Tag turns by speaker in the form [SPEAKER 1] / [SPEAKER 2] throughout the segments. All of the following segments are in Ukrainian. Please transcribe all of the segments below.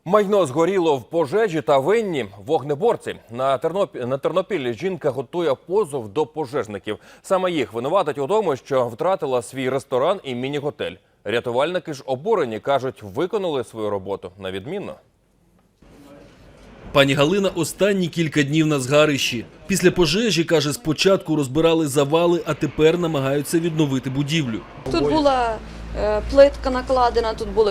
[SPEAKER 1] Майно згоріло в пожежі та винні вогнеборці. На Тернопіллі жінка готує позов до пожежників. Саме їх винуватить у тому, що втратила свій ресторан і міні-готель. Рятувальники ж обурені, кажуть, виконали свою роботу на відмінно.
[SPEAKER 2] Пані Галина останні кілька днів на згарищі. Після пожежі, каже, спочатку розбирали завали, а тепер намагаються відновити будівлю.
[SPEAKER 3] Тут була плитка накладена, тут були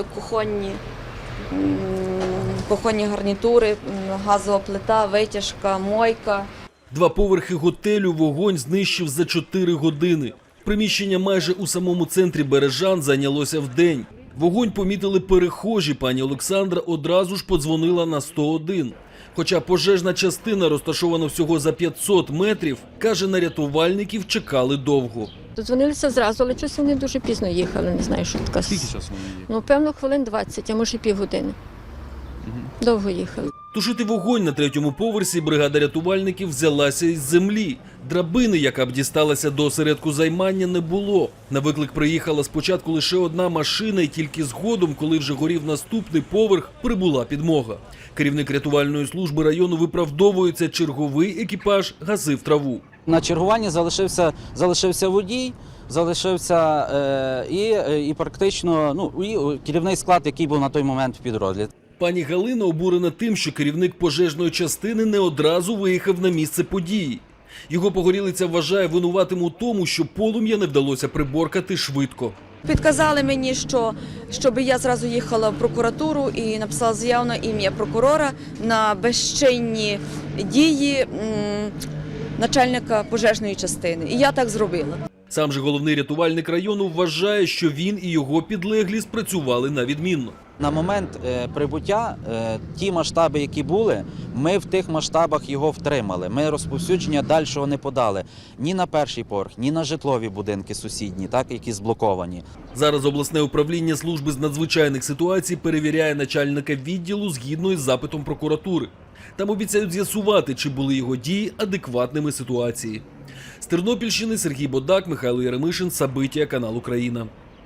[SPEAKER 3] кухонні гарнітури, газова плита, витяжка, мойка.
[SPEAKER 2] 2 поверхи готелю вогонь знищив за 4 години. Приміщення майже у самому центрі Бережан зайнялося вдень. Вогонь помітили перехожі. Пані Олександра одразу ж подзвонила на 101. Хоча пожежна частина розташована всього за 500 метрів, каже, на рятувальників чекали довго.
[SPEAKER 4] Додзвонилися зразу, але щось вони дуже пізно їхали, не знаю, що така.
[SPEAKER 5] Скільки часу вони їхали?
[SPEAKER 4] Ну, певно, хвилин 20, а може півгодини. Довго їхали.
[SPEAKER 2] Тушити вогонь на 3-му поверсі бригада рятувальників взялася із землі. Драбини, яка б дісталася до осередку займання, не було. На виклик приїхала спочатку лише одна машина, і тільки згодом, коли вже горів наступний поверх, прибула підмога. Керівник рятувальної служби району виправдовується, черговий екіпаж гасив траву.
[SPEAKER 6] На чергуванні залишився водій, і практично і керівний склад, який був на той момент в підрозділі.
[SPEAKER 2] Пані Галина обурена тим, що керівник пожежної частини не одразу виїхав на місце події. Його погорілиця вважає винуватим у тому, що полум'я не вдалося приборкати швидко.
[SPEAKER 3] Підказали мені, щоб я зразу їхала в прокуратуру і написала заяву на ім'я прокурора на безчинні дії начальника пожежної частини. І я так зробила.
[SPEAKER 2] Сам же головний рятувальник району вважає, що він і його підлеглі спрацювали на відмінно.
[SPEAKER 6] На момент прибуття ті масштаби, які були, ми в тих масштабах його втримали. Ми розповсюдження дальшого не подали ні на перший поверх, ні на житлові будинки сусідні, які зблоковані.
[SPEAKER 2] Зараз обласне управління служби з надзвичайних ситуацій перевіряє начальника відділу згідно із запитом прокуратури. Там обіцяють з'ясувати, чи були його дії адекватними ситуації. З Тернопільщини Сергій Бодак, Михайло Яремишин, Сабиття, канал Україна.